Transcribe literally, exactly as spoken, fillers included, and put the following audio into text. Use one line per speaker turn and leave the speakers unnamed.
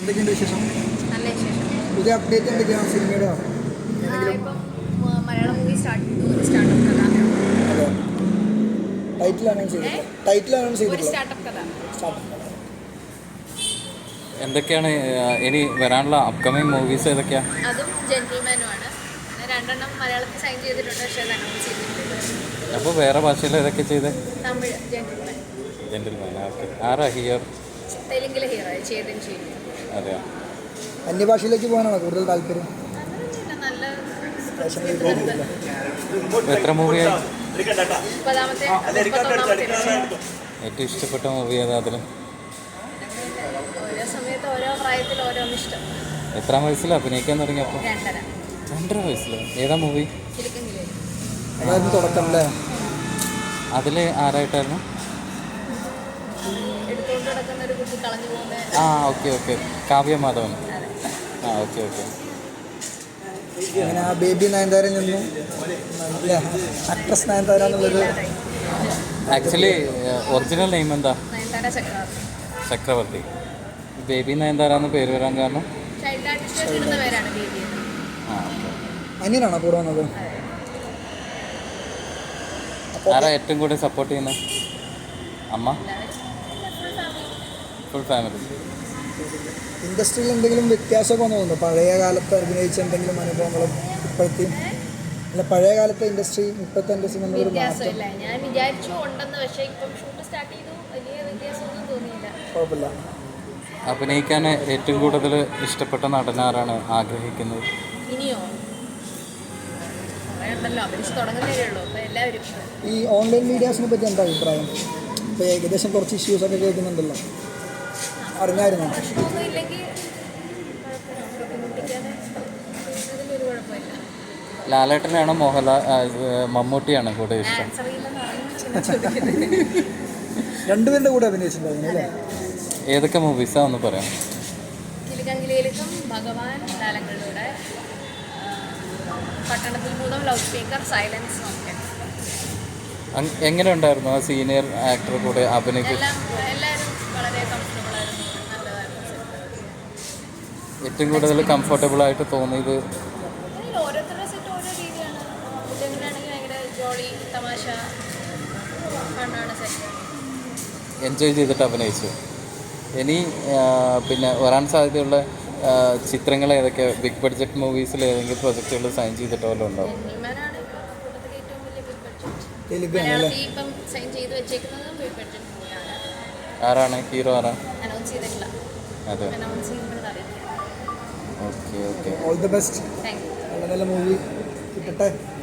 എന്തൊക്കെയുണ്ട് വിശേഷം?
നല്ല വിശേഷം.
പുതിയ അപ്ഡേറ്റ് എന്തൊക്കെയാണ് സിനിമയുടെ?
ഇപ്പം മലയാളം മൂവി സ്റ്റാർട്ട് സ്റ്റാർട്ടപ്പ് കഥ.
അതെ, ടൈറ്റിൽ അനൗൺസ് ചെയ്തിട്ടില്ല. ടൈറ്റിൽ അനൗൺസ്
ഒരു
ചെയ്തിട്ടില്ല.
സ്റ്റാർട്ടപ്പ് കഥ.
സ്റ്റാർട്ടപ്പ്
എന്തൊക്കെയാണ് ഇനി വരാനുള്ള അപ്കമിങ് മൂവീസ് ഏതൊക്കെയാണ്?
അതും ജെന്റിൽമാനുമാണ്. പിന്നെ രണ്ടെണ്ണം മലയാളത്തിൽ സൈൻ ചെയ്തിട്ടുണ്ട്, പക്ഷേ അത് അനൗൺസ് ചെയ്തിട്ടില്ല.
അപ്പോൾ വേറെ ഭാഷയിൽ ഏതൊക്കെ ചെയ്ത്?
തമിഴ് ജെന്റിൽമാൻ.
ജെന്റിൽമാൻ. ഓക്കെ. ആരാ ഹിയർ?
തെലുങ്കിലെ ഹീറോ ചേതൻ ചെയ്യും.
അതെയോ?
അന്യഭാഷയിലേക്ക് പോകാനാണോ കൂടുതൽ താല്പര്യം?
അങ്ങനെയൊന്നുമില്ല, നല്ല
എത്ര മൂവിയായി?
മുപ്പതാമത്തെ മുപ്പത്തൊന്നാമത്തെ
ഏറ്റവും ഇഷ്ടപ്പെട്ട മൂവി ഏതാ അതിൽ?
ഓരോ സമയത്ത് ഓരോ പ്രായത്തിൽ ഓരോന്ന് ഇഷ്ടം.
എത്രാം വയസ്സിൽ അഭിനയിക്കാൻ തുടങ്ങിയപ്പോൾ?
രണ്ടര
രണ്ടര വയസ്സിൽ. ഏതാ മൂവി?
കിലുക്കെങ്കിലേ.
അതായിരുന്നു തുടക്കം അല്ലേ?
അതിൽ ആരായിട്ടായിരുന്നു?
എടുത്തുകൊണ്ട് നടക്കുന്ന ഒരു കുട്ടി കളഞ്ഞു പോകുന്ന.
ആ ഓക്കെ ഓക്കെ, കാവ്യ മാധവൻ. ആ ഓക്കെ ഓക്കെ.
അങ്ങനെ ആ ബേബി നയൻതാരയിൽ നിന്നും അല്ലേ ആക്ട്രസ് നയൻതാര എന്നുള്ളത്.
ആക്ച്വലി ഒറിജിനൽ നെയിം എന്താ?
നയൻതാര ചക്രവർത്തി.
ചക്രവർത്തി. ബേബി നയൻതാര എന്ന് പേര് വരാൻ കാരണം?
ചൈൽഡ് ആർട്ടിസ്റ്റ് ഇടുന്ന പേരാണ് ബേബി.
ആ ഓക്കെ.
അനിയനാണോ കൂടെ വന്നത്?
ആരാ ഏറ്റവും കൂടുതൽ സപ്പോർട്ട് ചെയ്യുന്നത്? അമ്മ? Full family.
ഇൻഡസ്ട്രിയിൽ എന്തെങ്കിലും വ്യത്യാസമൊക്കെ തോന്നുന്നു? പഴയ കാലത്ത് അഭിനയിച്ച എന്തെങ്കിലും അനുഭവങ്ങളും ഇപ്പോഴത്തെയും അല്ല പഴയ കാലത്തെ ഇൻഡസ്ട്രി ഇപ്പോഴത്തെ ഇൻഡസ്ട്രി നമ്മളൊരു മാറ്റം?
വ്യത്യാസമില്ല. ഞാൻ വിചാരിച്ചു ഉണ്ടെന്ന്, പക്ഷേ ഇപ്പം ഷൂട്ട് സ്റ്റാർട്ട് ചെയ്തു, വലിയ വ്യത്യാസമൊന്നും തോന്നിയില്ല.
കുഴപ്പമില്ല.
അഭിനയിക്കാൻ ഏറ്റവും കൂടുതൽ ഇഷ്ടപ്പെട്ട നടനാരാണ് ആഗ്രഹിക്കുന്നത്?
ഇനിയോ കുറേ ഉണ്ടല്ലോ, അഭിനയിച്ച് തുടങ്ങുന്നതേ ഉള്ളൂ. അപ്പോൾ എല്ലാവരും
ഈ ഓൺലൈൻ മീഡിയാസിനെ പറ്റി എന്താ അഭിപ്രായം? ഇപ്പോൾ ഏകദേശം കുറച്ച് ഇഷ്യൂസൊക്കെ കേൾക്കുന്നുണ്ടല്ലോ, അറിഞ്ഞായിരുന്നോ?
പ്രശ്നമൊന്നും ഇല്ലെങ്കിൽ ബുദ്ധിമുട്ടിക്കാതെ ചെയ്യുന്നതിലൊരു കുഴപ്പമില്ല.
ലാലേട്ടനാണോ മോഹൻലാൽ മമ്മൂട്ടിയാണോ കൂടുതൽ ഇഷ്ടം?
ആൻസർ ചെയ്യില്ലെന്ന് അറിഞ്ഞു ചോദിക്കുന്നത്.
രണ്ടുപേരുടെ കൂടെ അഭിനയിച്ചിട്ടുണ്ടായിരുന്നു അല്ലേ?
ഏതൊക്കെ മൂവീസാണ് ഒന്ന് പറയാം?
കിലുക്കങ്കിലേക്കും ഭഗവാൻ, കാലങ്ങളിലൂടെ, പട്ടണത്തിൽ മൂന്നും, ലൗഡ് സ്പീക്കർ, സൈലൻസ് ഒക്കെ.
എങ്ങനെ ഉണ്ടായിരുന്നു ആ സീനിയർ ആക്ടർ കൂടെ അഭിനയിക്കുക?
എല്ലാം എല്ലാവരും വളരെ കംഫർട്ടബിൾ ആയിരുന്നു, നല്ലതായിരുന്നു.
ഏറ്റവും കൂടുതൽ കംഫർട്ടബിൾ ആയിട്ട് തോന്നിയത്?
ഓരോരുത്തരുടെ സെറ്റ് ഓരോ രീതിയാണ്. കുട്ടികളാണെങ്കിൽ ഭയങ്കര ജോളി, തമാശ, ഫണ്ണാണ് സെറ്റ്.
എൻജോയ് ചെയ്തിട്ട് അഭിനയിച്ചു. ഇനി പിന്നെ വരാൻ സാധ്യതയുള്ള ചിത്രങ്ങൾ ഏതൊക്കെ? ബിഗ് ബഡ്ജറ്റ് മൂവീസിൽ ഏതെങ്കിലും പ്രൊജക്റ്റുകൾ സൈൻ ചെയ്തിട്ട് വല്ലതും ഉണ്ടാവും?
ജെന്റിൽമാനാണ് ഇപ്പോൾ കൂട്ടത്തിൽ ഏറ്റവും വലിയ ബിഗ് ബഡ്ജറ്റ്.
തെലുങ്കാണ് അല്ലേ?
മലയാളത്തിൽ ഇപ്പം സൈൻ ചെയ്ത് വെച്ചേക്കുന്നത് ബിഗ് ബഡ്ജറ്റ് മൂവിയാണ്.
ആരാണ് ഹീറോ? ആരാ
അനൗൺസ് ചെയ്തിട്ടില്ല.
അതെ.
അനൗൺസ് ചെയ്യുമ്പോഴത് അറിയിക്കാം.
Okay okay.
All the best.
Thank you.
നല്ല നല്ല മൂവി കിട്ടട്ടെ.